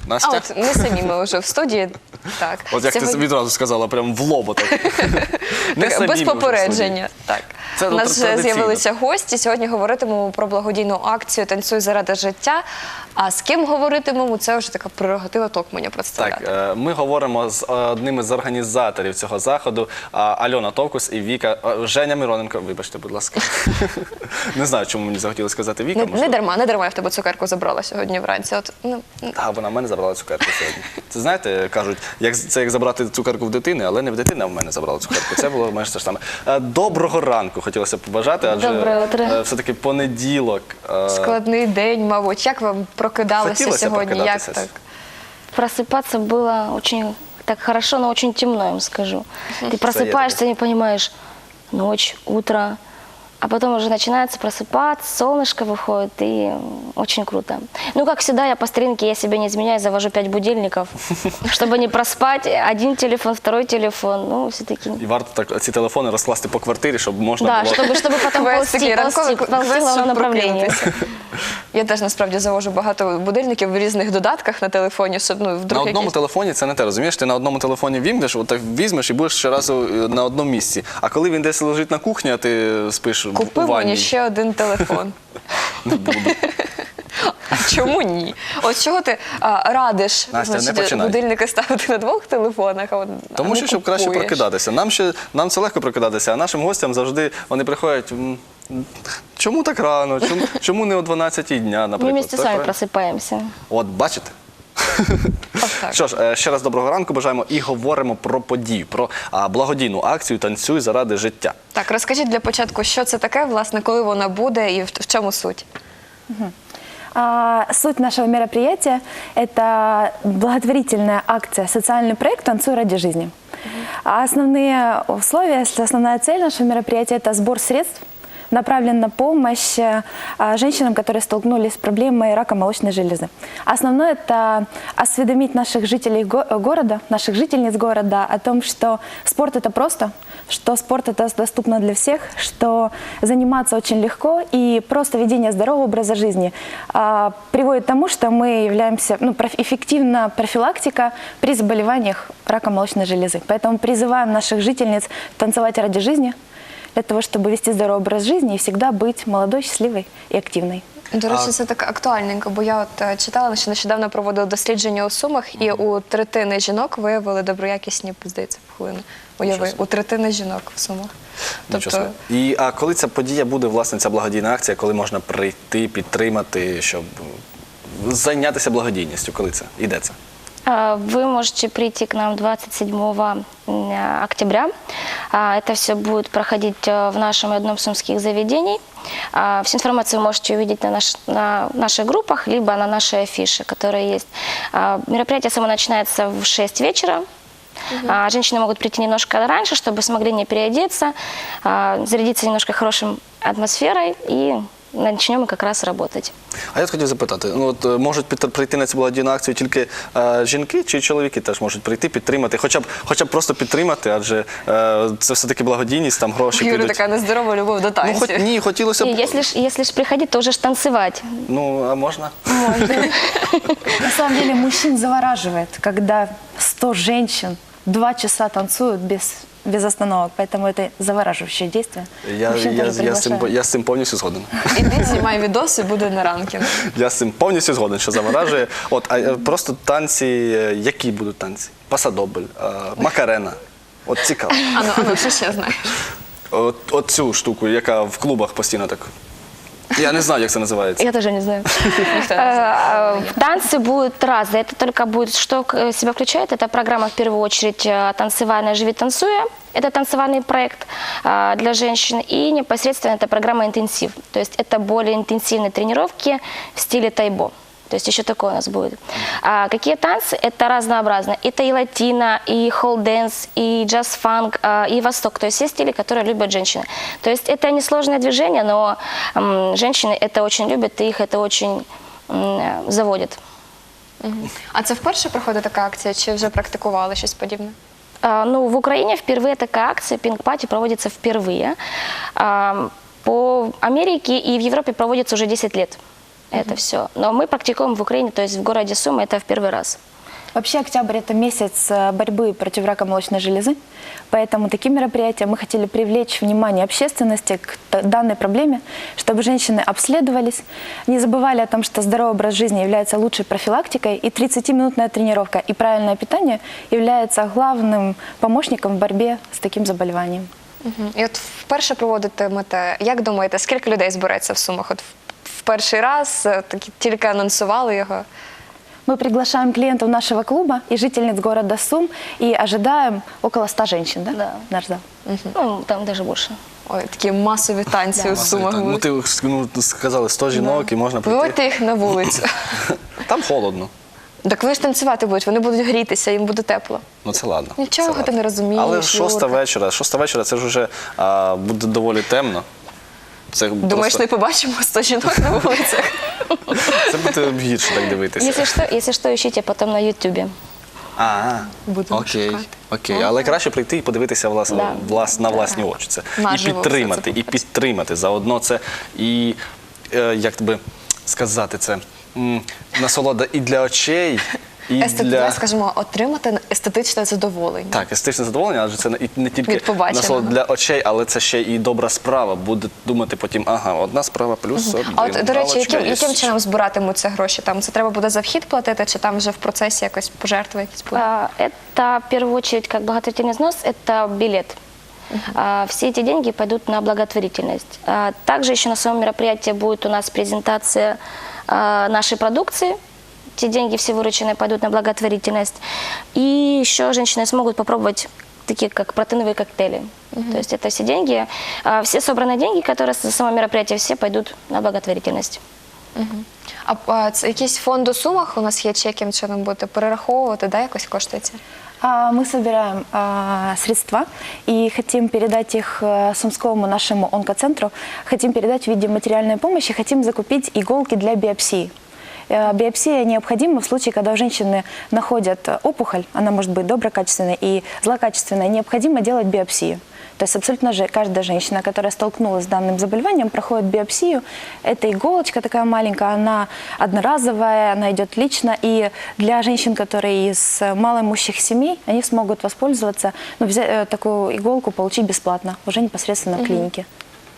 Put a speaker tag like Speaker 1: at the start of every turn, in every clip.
Speaker 1: Настя?
Speaker 2: от ми самі, ми вже в студії. Так.
Speaker 1: От як ти відразу сказала, прям в лоб отак. Не самі ми
Speaker 2: Без
Speaker 1: вже в
Speaker 2: попередження. Так.
Speaker 1: Це
Speaker 2: У нас вже
Speaker 1: традиційно.
Speaker 2: з'явилися гості. Сьогодні говоритимемо про благодійну акцію «Танцюй заради життя». А з ким говоритимемо, це вже така прерогатива Токманя представляти.
Speaker 1: Так, ми говоримо з одним із організаторів цього заходу, Альона Товкус і Віка, Женя Мироненко, вибачте, будь ласка. Не знаю, чому мені захотілося сказати Віка.
Speaker 2: Не дарма я в тебе цукерку забрала сьогодні вранці. От,
Speaker 1: Так, вона в мене забрала цукерку сьогодні. Це, знаєте, кажуть, це як забрати цукерку в дитини, але не в дитини, а в мене забрала цукерку. Це було майже те ж саме. Доброго ранку хотілося побажати, адже все-таки понеділок.
Speaker 2: Складний день, мабуть. Як вам прокидалося
Speaker 1: Хотілося
Speaker 2: сьогодні? Як
Speaker 1: прокидатися.
Speaker 2: так?
Speaker 3: Просыпаться было очень так хорошо, но очень темно, я вам скажу. Ты просыпаешься, не понимаешь, ночь, утро, а потом уже начинается просыпаться, солнышко выходит, и очень круто. Ну, как всегда, я по старинке, я себе не изменяю, завожу 5 будильников, чтобы не проспать. Один телефон, второй телефон, ну, все-таки.
Speaker 1: І варто так ці телефони розкласти по квартирі, щоб можна
Speaker 3: Да,
Speaker 1: було...
Speaker 3: чтобы потом ползти в главном направлении.
Speaker 2: Я теж насправді завожу багато будильників в різних додатках на телефоні, щоб
Speaker 1: На
Speaker 2: вдруг
Speaker 1: одному
Speaker 2: якісь...
Speaker 1: телефоні це не те, розумієш? Ти на одному телефоні вімкнеш, отак візьмеш і будеш щоразу на одному місці. А коли він десь лежить на кухні, а ти спиш
Speaker 2: Купи
Speaker 1: у ванні.
Speaker 2: мені ще один телефон.
Speaker 1: Не буду.
Speaker 2: Чому ні? От чого ти радиш
Speaker 1: Настя, не починай.
Speaker 2: будильники ставити на 2 телефонах, а
Speaker 1: Тому
Speaker 2: не
Speaker 1: що, щоб краще
Speaker 2: купуєш?
Speaker 1: прокидатися. Нам це легко прокидатися, а нашим гостям завжди вони приходять, чому так рано, чому не о 12-й дня,
Speaker 3: Мы
Speaker 1: наприклад.
Speaker 3: вместе с
Speaker 1: Так,
Speaker 3: вами
Speaker 1: правильно?
Speaker 3: просыпаемся.
Speaker 1: От, бачите?
Speaker 2: Так.
Speaker 1: Що ж, ще раз доброго ранку бажаємо і говоримо про подію, про благодійну акцію «Танцюй заради життя».
Speaker 2: Так, розкажіть для початку, що це таке, власне, коли вона буде і в чому суть?
Speaker 4: Суть нашего мероприятия – это благотворительная акция, социальный проект «Танцуй ради жизни». Основные условия, основная цель нашего мероприятия – это сбор средств, направлен на помощь женщинам, которые столкнулись с проблемой рака молочной железы. Основное – это осведомить наших жителей города, наших жительниц города о том, что спорт – это просто, что спорт – это доступно для всех, что заниматься очень легко, и просто ведение здорового образа жизни приводит к тому, что мы являемся, эффективна профилактика при заболеваниях рака молочной железы. Поэтому призываем наших жительниц танцевать ради жизни, для того, чтобы вести здоровый образ жизни и всегда быть молодой, счастливой и активной.
Speaker 2: До речі, це так актуальненько, бо я от читала, що нещодавно проводила дослідження у Сумах, і у третини жінок виявили доброякісні, здається, пухлини. Уяви, у третини жінок в Сумах.
Speaker 1: Тобто... А коли ця подія буде, власне, ця благодійна акція, коли можна прийти, підтримати, щоб зайнятися благодійністю? Коли це? І де це?
Speaker 3: Вы можете прийти к нам 27 октября. Это все будет проходить в нашем одном сумских заведений. Всю информацию вы можете увидеть на наших группах, либо на нашей афише, которая есть. Мероприятие само начинается в 6 вечера. Женщины могут прийти немножко раньше, чтобы смогли не переодеться, зарядиться немножко хорошей атмосферой и начнем ми якраз працювати.
Speaker 1: А я хотів запитати, можуть прийти на цю благодійну акцію тільки жінки чи чоловіки теж можуть прийти, підтримати, хоча б просто підтримати, адже це все-таки благодійність, там гроші підуть.
Speaker 2: Юра, така нездорова любов до танців.
Speaker 1: Ні, хотілося б...
Speaker 3: Если ж приходить, то уже ж танцевать.
Speaker 1: Ну, а можна?
Speaker 3: Можно.
Speaker 4: На самом деле мужчин завораживает, когда 100 женщин 2 часа танцуют без остановок, поэтому это завораживающее действие.
Speaker 1: Я з цим повністю згоден.
Speaker 2: Іди, знімай відоси, буде на ранкінг.
Speaker 1: Я з цим повністю згоден, що заворажує. Просто танці, які будуть танці? Пасадобль, макарена. От цікаво.
Speaker 2: Ану, що ще знаєш?
Speaker 1: От цю штуку, яка в клубах постійно так... Я не знаю, як це називається.
Speaker 3: Я тоже не знаю. Танцы будут разные. Это только будет, что в себя включает. Это программа, в первую очередь, танцевальная «Живи танцуя». Это танцевальный проект для женщин. И непосредственно это программа «Интенсив». То есть это более интенсивные тренировки в стиле тайбо. То есть еще такое у нас будет. Какие танцы? Это разнообразно. Это и латино, и холл-дэнс, и джаз-фанк, и восток. То есть все стили, которые любят женщины. То есть это несложное движение, но женщины это очень любят, и их это очень заводит.
Speaker 2: А це вперше проходить така акція, чи вже практикували щось подібне?
Speaker 3: Ну, в Украине впервые такая акция, пинг-пати, проводится впервые. По Америке и в Европе проводится уже 10 лет. это все. Но мы практикуем в Украине, то есть в городе Сумы, это в первый раз.
Speaker 4: Вообще октябрь – это месяц борьбы против рака молочной железы, поэтому таким мероприятием мы хотели привлечь внимание общественности к данной проблеме, чтобы женщины обследовались, не забывали о том, что здоровый образ жизни является лучшей профилактикой, и 30-минутная тренировка и правильное питание является главным помощником в борьбе с таким заболеванием.
Speaker 2: І от вперше проводитимете, як думаєте, скільки людей збереться в Сумах? От в перший раз тільки анонсували його.
Speaker 4: Мы приглашаем клиентов нашего клуба и жительниц города Сум и ожидаем около 100 женщин, да?
Speaker 3: Да.
Speaker 4: Наш зал.
Speaker 3: Ну, там даже больше.
Speaker 2: Ой, такі масові танці у Сумах
Speaker 1: Ну,
Speaker 2: будуть.
Speaker 1: ти сказали 100 жінок і можна прийти.
Speaker 2: Виводьте їх на вулицю.
Speaker 1: Там холодно.
Speaker 2: Так вони ж танцювати будуть, вони будуть грітися, їм буде тепло.
Speaker 1: Ну це ладно.
Speaker 2: Нічого
Speaker 1: це
Speaker 2: ти не розумієш,
Speaker 1: Але 6
Speaker 2: Юрка.
Speaker 1: вечора це ж вже буде доволі темно. Це
Speaker 2: Думаєш,
Speaker 1: просто-
Speaker 2: не побачимо 100 жінок на вулицях?
Speaker 1: Це буде гірше так дивитися.
Speaker 3: Если что, ищите потом на Ютубе.
Speaker 2: Будемо
Speaker 1: Окей,
Speaker 2: шукати.
Speaker 1: окей. Але краще прийти і подивитися на власні очі. Це. І
Speaker 2: Наживо все
Speaker 1: підтримати,
Speaker 2: це
Speaker 1: і підтримати заодно це. І, як тобі сказати це, насолода і для очей, і для...
Speaker 2: Скажімо, отримати естетичне задоволення.
Speaker 1: Так, естетичне задоволення, адже це не тільки
Speaker 2: Від побаченого.
Speaker 1: насолода для очей, але це ще і добра справа. Буде думати потім, ага, одна справа плюс один.
Speaker 2: А от, до речі,
Speaker 1: галочка є.
Speaker 2: яким чином збиратимуться гроші? Там це треба буде за вхід платити, чи там вже в процесі якось пожертви якісь будуть?
Speaker 3: Это, в первую очередь, как благотворительный взнос, это билет. Все эти деньги пойдут на благотворительность. Также еще на самом мероприятии будет у нас презентация нашей продукции. Те деньги все вырученные пойдут на благотворительность. И еще женщины смогут попробовать такие как протеиновые коктейли. То есть это все деньги, все собранные деньги, которые с самого мероприятия, все пойдут на благотворительность.
Speaker 2: А це якийсь фонд у Сумах у нас є, чи яким чином будете перераховувати, да, якось коштується?
Speaker 4: Мы собираем средства и хотим передать их Сумскому нашему онкоцентру, хотим передать в виде материальной помощи, хотим закупить иголки для биопсии. Биопсия необходима в случае, когда у женщины находят опухоль, она может быть доброкачественной и злокачественной, необходимо делать биопсию. То есть абсолютно же каждая женщина, которая столкнулась с данным заболеванием, проходит биопсию. Это иголочка такая маленькая, она одноразовая, она идет лично. И для женщин, которые из малоимущих семей, они смогут воспользоваться, взять такую иголку, получить бесплатно, уже непосредственно в клинике.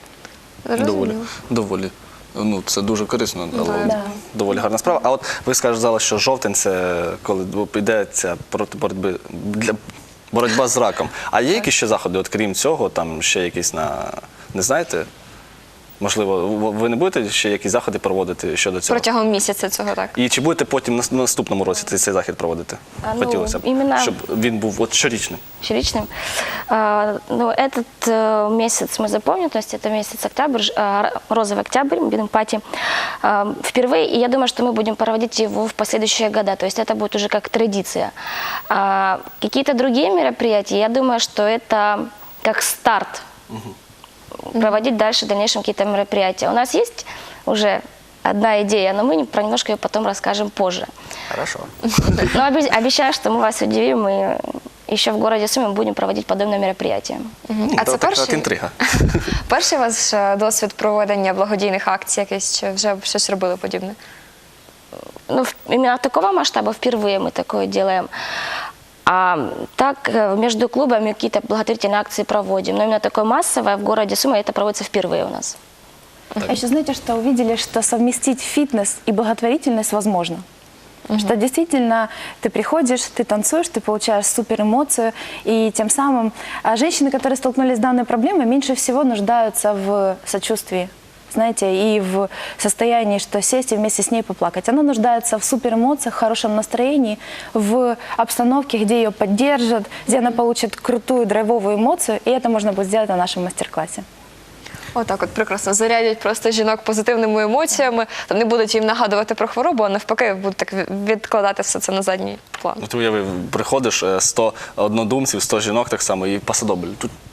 Speaker 1: Доволі. Ну, це дуже корисно, але
Speaker 4: Да.
Speaker 1: доволі гарна справа. А от ви сказали, що жовтень – це коли йдеться проти боротьба з раком. А є якісь ще заходи, от крім цього, там ще якісь не знаєте? Можливо, ви не будете ще якісь заходи проводити щодо цього?
Speaker 2: Протягом місяця цього, так.
Speaker 1: І чи будете потім на наступному році цей захід проводити?
Speaker 3: Ну,
Speaker 1: Хотілося б,
Speaker 3: іменно-
Speaker 1: щоб він був от щорічним.
Speaker 3: Щоричным. Ну, этот месяц мы запомним, то есть это месяц октябрь, розовый октябрь, будем пати. Впервые, и я думаю, что мы будем проводить его в последующие года, то есть это будет уже как традиция. Какие-то другие мероприятия, я думаю, что это как старт. Проводить дальше в дальнейшем какие-то мероприятия. У нас есть уже одна идея, но мы про немножко ее потом расскажем позже.
Speaker 1: Хорошо.
Speaker 3: Но обещаю, что мы вас удивим, и еще в городе Сумы будем проводить подобное мероприятие.
Speaker 2: А це
Speaker 1: така
Speaker 2: перший?
Speaker 1: інтрига.
Speaker 2: Перший ваш досвід проведення благодійних акцій якийсь, чи вже щось робили подібне?
Speaker 3: Ну, именно такого масштаба впервые мы такое делаем. А так между клубами какие-то благотворительные акции проводим. Но именно такое массовое в городе Сумы это проводится впервые у нас.
Speaker 4: А еще знаете, что увидели, что совместить фитнес и благотворительность возможно. Что действительно ты приходишь, ты танцуешь, ты получаешь супер эмоцию, и тем самым женщины, которые столкнулись с данной проблемой, меньше всего нуждаются в сочувствии, знаете, и в состоянии, что сесть и вместе с ней поплакать. Она нуждается в супер эмоциях, в хорошем настроении, в обстановке, где ее поддержат, где она получит крутую драйвовую эмоцию, и это можно будет сделать на нашем мастер-классе.
Speaker 2: Отак от прекрасно зарядять просто жінок позитивними емоціями, там не будуть їм нагадувати про хворобу, а навпаки будуть так відкладати все це на задній план.
Speaker 1: Ну, ти уяви, приходиш 100 однодумців, 100 жінок так само і пасадобль.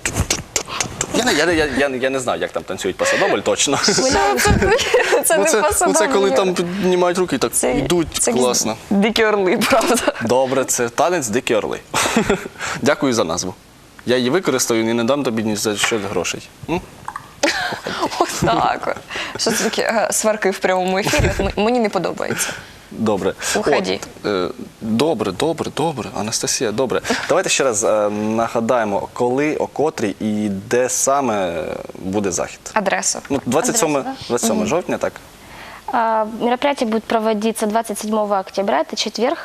Speaker 1: Я не знаю, як там танцюють пасадобль точно.
Speaker 2: Це не
Speaker 1: Це коли там піднімають руки і так йдуть класно.
Speaker 2: Дикі орли, правда.
Speaker 1: Добре, це танець «Дикі орли». Дякую за назву. Я її використаю і не дам тобі ні за що грошей. М?
Speaker 2: От Так. Що це такі сварки в прямому ефірі? Мені не подобається.
Speaker 1: Добре.
Speaker 2: Уході.
Speaker 1: Добре. Анастасія, добре. Давайте ще раз нагадаємо, коли, о котрій і де саме буде захід.
Speaker 2: Адресу.
Speaker 1: 27 жовтня, так?
Speaker 3: Мероприятие будет проводиться 27 октября, это четверг,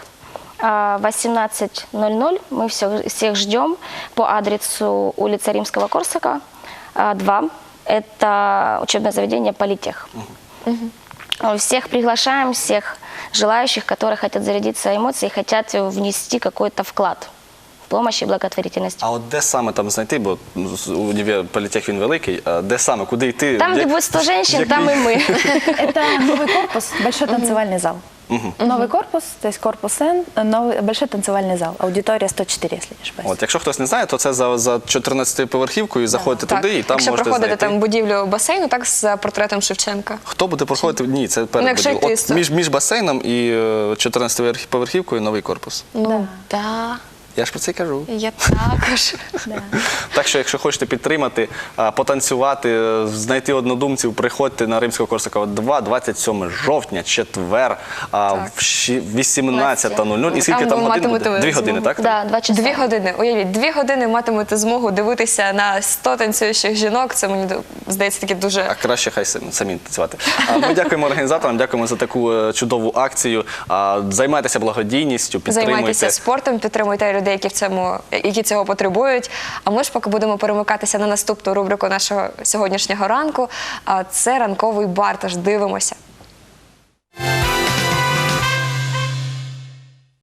Speaker 3: 18:00. Мы всех ждем по адресу улица Римского-Корсака, 2. Это учебное заведение «Политех». Всех приглашаем, всех желающих, которые хотят зарядиться эмоцией, хотят внести какой-то вклад в помощь и благотворительность.
Speaker 1: А от де саме там знайти, бо універ Політех він великий, а де саме, куди йти?
Speaker 3: Там, где будет 100 женщин, там и мы.
Speaker 4: Это новый корпус, большой танцевальный зал. Новый корпус, то есть корпус Н, новый, большой танцевальный зал, аудитория 104, если не ошибаюсь.
Speaker 1: От, якщо хтось не знає, то це за 14-поверхівкою, заходите туди і там
Speaker 2: Якщо
Speaker 1: можете
Speaker 2: проходити
Speaker 1: знайти.
Speaker 2: там будівлю басейну, так, з портретом Шевченка.
Speaker 1: Хто буде проходити? Ні, це перед
Speaker 2: якщо
Speaker 1: будівлею.
Speaker 2: йти,
Speaker 1: От між басейном і 14-поверхівкою новий корпус.
Speaker 2: Ну, да.
Speaker 1: Я ж про це й кажу.
Speaker 2: Я також.
Speaker 1: Так що, якщо хочете підтримати, потанцювати, знайти однодумців, приходьте на Римського Корсака 2, 27 жовтня, четвер, в 18:00. І скільки
Speaker 2: Там
Speaker 1: там
Speaker 2: ви
Speaker 1: годин буде?
Speaker 2: матимете
Speaker 1: 2 години,
Speaker 2: змогу.
Speaker 1: так?
Speaker 3: Да, 2 часа.
Speaker 2: 2 години. Уявіть, 2 години матимете змогу дивитися на 100 танцюючих жінок. Це мені здається таке дуже...
Speaker 1: А краще хай самі танцювати. Ми дякуємо організаторам, дякуємо за таку чудову акцію. Займайтеся благодійністю, підтримуйте.
Speaker 2: Займайтеся спортом, підтримуйте людей, які цього потребують. А ми ж поки будемо перемикатися на наступну рубрику нашого сьогоднішнього ранку. Це ранковий бар, тож дивимося.